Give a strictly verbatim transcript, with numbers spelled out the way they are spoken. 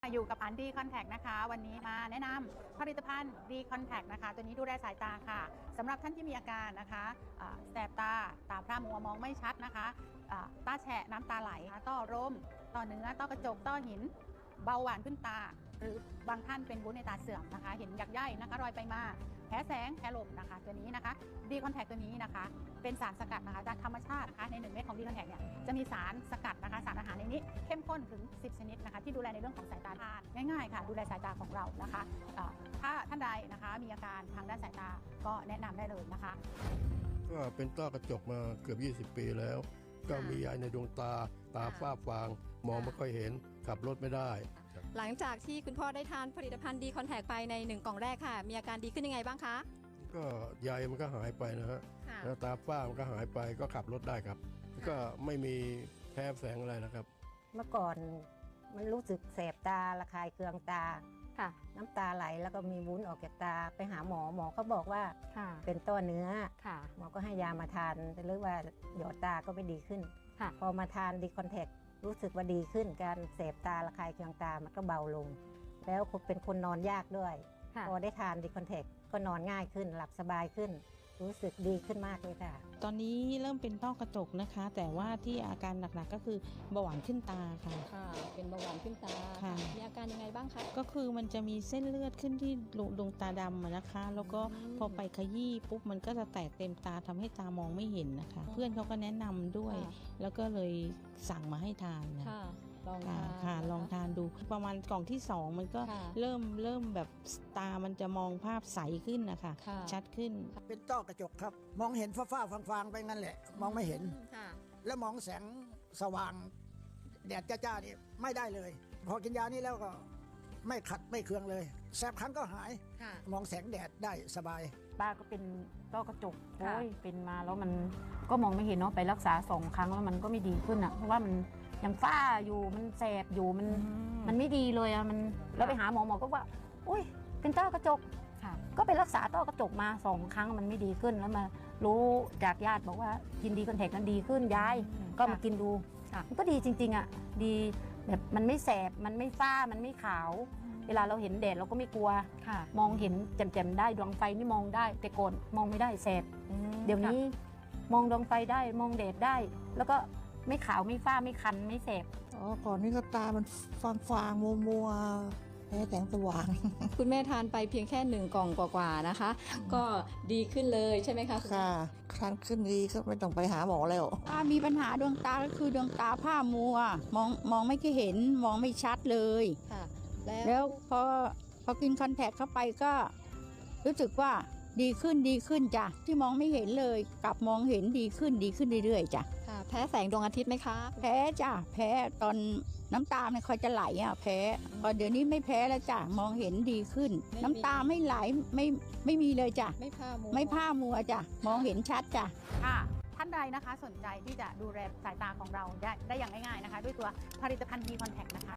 อยู่กับอันดีคอนแทคนะคะวันนี้มาแนะนำผลิตภัณฑ์ดีคอนแทคนะคะตัวนี้ดูแลสายตาค่ะสำหรับท่านที่มีอาการนะคะแสบตาตาพร่ามัวมองไม่ชัดนะคะตาแฉะน้ำตาไหลต้อร่มต้อเนื้อต้อกระจกต้อหินเบาหวานขึ้นตาหรือบางท่านเป็นวุ้นในตาเสื่อมนะคะเห็นหยักย่ายนะคะรอยไปมาแพ้แสงแพ้ลมนะคะตัวนี้นะคะดีคอนแทคตัวนี้นะคะเป็นสารสกัดนะคะจากธรรมชาตินะคะในหนึ่งเม็ดของดีคอนแทคเนี่ยจะมีสารสกัดนะคะสารอาหารในนี้เข้มข้นถึงสิบชนิดนะคะที่ดูแลในเรื่องของสายตาทานง่ายๆค่ะดูแลสายตาของเรานะคะถ้าท่านใดนะคะมีอาการทางด้านสายตาก็แนะนำได้เลยนะคะก็เป็นต้อกระจกมาเกือบยี่สิบปีแล้วก็มียายในดวงตาตาฝ้าฟางมองไม่ค่อยเห็นขับรถไม่ได้หลังจากที่คุณพ่อได้ทานผลิตภัณฑ์ดีคอนแทคไปในหนึ่งกล่องแรกค่ะมีอาการดีขึ้นยังไงบ้างคะก็ใยมันก็หายไปนะฮะแล้วตาฝ้ามันก็หายไปก็ขับรถได้ครับก็ไม่มีแพ้แสงอะไรนะครับเมื่อก่อนมันรู้สึกแสบตาระคายเคืองตาค่ะน้ำตาไหลแล้วก็มีวุ้นออกจากตาไปหาหมอหมอเขาบอกว่าเป็นต้อเนื้อหมอก็ให้ยามาทานแต่เรื่องว่าหยอดตาก็ไม่ดีขึ้นพอมาทานดีคอนแทครู้สึกว่าดีขึ้นการแสบตาระคายเคืองตามันก็เบาลงแล้วเป็นคนนอนยากด้วยพอได้ทานดีคอนแทคก็นอนง่ายขึ้นหลับสบายขึ้นรู้สึกดีขึ้นมากเลยค่ะตอนนี้เริ่มเป็นต้อกระจกนะคะแต่ว่าที่อาการหนักๆก็คือเบาหวานขึ้นตาค่ะค่ะเป็นเบาหวานขึ้นตาค่ะมีอาการยังไงบ้างคะก็คือมันจะมีเส้นเลือดขึ้นที่ดวงตาดำนะคะแล้วก็พอไปขยี้ปุ๊บมันก็จะแตกเต็มตาทำให้ตามองไม่เห็นนะคะเพื่อนเขาก็แนะนำด้วยแล้วก็เลยสั่งมาให้ทานนะลองทานค่ะลองทานดูประมาณกล่องที่สองมันก็เริ่มเริ่มแบบตามันจะมองภาพใสขึ้นนะคะชัดขึ้นเป็นต้อกระจกครับมองเห็นฟ้าๆฟางๆไปงั้นแหละมองไม่เห็นแล้วมองแสงสว่างแดดจ้าๆนี่ไม่ได้เลยพอกินยานี้แล้วก็ไม่ขัดไม่เคืองเลยแสบคันก็หายมองแสงแดดได้สบายป้าก็เป็นต้อกระจกโอ้ยเป็นมาแล้วมันก็มองไม่เห็นเนาะไปรักษาสองครั้งแล้วมันก็ไม่ดีขึ้นอ่ะเพราะว่ามันยังฝ้าอยู่มันแสบอยู่มันมันไม่ดีเลยอะมันแล้วไปหาหมอหมอก็ว่าอุ้ยเป็นต้อกระจกก็ไปรักษาต้อกระจกมาสองครั้งมันไม่ดีขึ้นแล้วมารู้จากญาติบอกว่ากินดีคอนแทคนั้นดีขึ้นยายก็มากินดูมันก็ดีจริงๆอ่ะดีแบบมันไม่แสบมันไม่ฝ้ามันไม่ขาวเวลาเราเห็นแดดเราก็ไม่กลัวมองเห็นแจ่มๆได้ดวงไฟนี่มองได้แต่ก่อนมองไม่ได้แสบเดี๋ยวนี้มองดวงไฟได้มองแดดได้แล้วก็ไม่ขาวไม่ฝ้าไม่คันไม่แสบอ๋อก่อนนี้ก็ตามันฟางฟางมัวมัวแพ้แสงสว่างคุณแม่ทานไปเพียงแค่หนึ่งกล่องกว่าๆนะคะก็ดีขึ้นเลยใช่ไหมคะค่ะครั้นขึ้นดีก็ไม่ต้องไปหาหมอแล้วตามีปัญหาดวงตาก็คือดวงตาผ้ามัวมองมองไม่ค่อยเห็นมองไม่ชัดเลยค่ะแล้วพอพอกินคอนแทคเข้าไปก็รู้สึกว่าดีขึ้นดีขึ้นจ้ะที่มองไม่เห็นเลยกลับมองเห็นดีขึ้นดีขึ้นเรื่อยๆจ้ะค่ะแพ้แสงดวงอาทิตย์ไหมคะแพ้จ้ะแพ้ตอนน้ำตาไม่ค่อยจะไหลอ่ะแพ้พอเดี๋ยวนี้ไม่แพ้แล้วจ้ะมองเห็นดีขึ้นน้ำตาไม่ไหลไม่ไม่มีเลยจ้ะไม่ผ้ามัวไม่ผ้ามัวจ้ะมองเห็นชัดจ้ะค่ะท่านใดนะคะสนใจที่จะดูแลสายตาของเราได้ได้อย่างง่ายๆนะคะด้วยตัวผลิตภัณฑ์ดีคอนแทคนะคะ